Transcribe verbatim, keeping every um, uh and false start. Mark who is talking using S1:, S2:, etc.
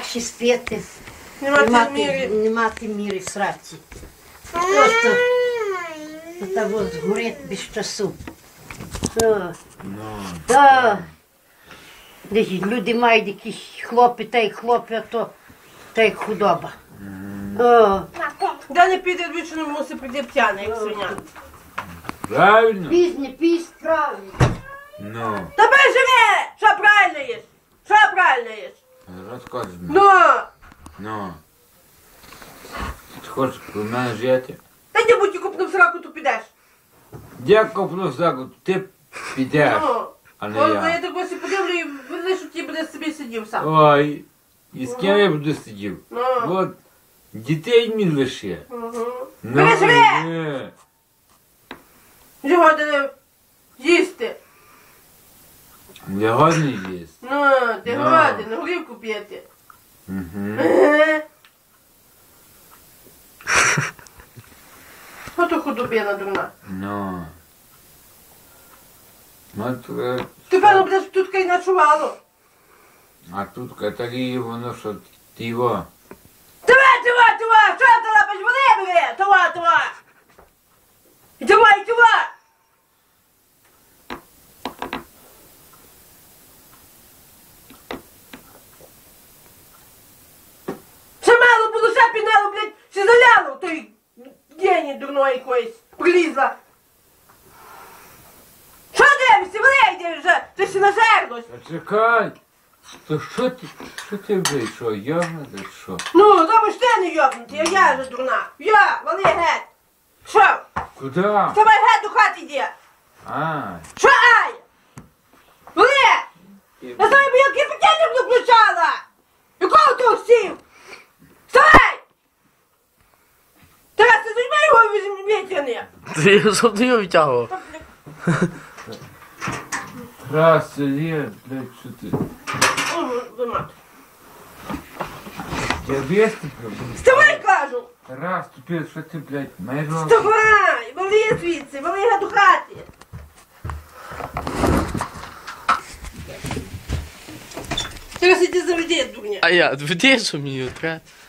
S1: легше спити.
S2: Не
S1: Не
S2: мати
S1: мати,
S2: міри.
S1: не мати міри в сраці. Просто до того згорить без часу. О,
S3: Ну,
S1: та, десь люди мають якісь хлопи, та й хлопи, а то та й худоба. О,
S2: Да не піде двічі, мусить прийти п'яний, як свиня.
S3: правильно?
S1: пізні, пізь, правильно.
S3: Ну,
S2: Та живе! Що правильно їш? Що правильно їш?
S3: розказуй мені.
S2: Ну!
S3: Ну. Ти хочеш про мене жити?
S2: Та не будь купнув сраку, то підеш.
S3: Дякую, просто ти підеш,
S2: Ну.
S3: а не
S2: О, я
S3: я.
S2: так ось і подивлю і видно, що ти буде собі сидів сам.
S3: Ой, і з ким я буду сидів?
S2: Ну.
S3: От, дітей мені лише.
S2: Угу.
S3: Ну,
S2: Бери, живе!
S3: ні.
S2: Його де їсти.
S3: Я годний їсть.
S2: Ну, ти
S3: Ну.
S2: голодний, горівку п'єти.
S3: Угу.
S2: Ото худобина дурна.
S3: Ну. Ну, то,
S2: Ти певно будеш тут кай ночувало.
S3: а тут катарі, воно що ти його.
S2: Тува, тува, тува! Що ти лапиш? Води бери! Тува, тува! І тува, і тува! Ще мало було, ще пінело, блядь, ще заляло в той гені дурної якоїсь. Прилізла. Що дивишся? Вийди вже! Ти ще нажерлась.
S3: Та чекай! То що ти, що ти вийшов? Йогна, чи що?
S2: Ну, тому ж ти не йобнутий, а я же дурна. Я, вали геть. Що?
S3: Куди?
S2: Давай геть до хати йди.
S3: А,
S2: Що ай? Вали! Я знаю, бо я кипятильник не включала. Якого ти сів? Вставай! Тарас, ти зажми його вітяни.
S4: Ти щоб ти його витягував.
S3: раз, лє, блядь, що ти? Я вести пробую.
S2: Вставай, кажу!
S3: Раз, тепер, що ти, блядь, майро?
S2: Вставай! Вали звідси, вали геть до хати. Зараз іди заведи, дурня.
S4: А я, веди, що мені треба.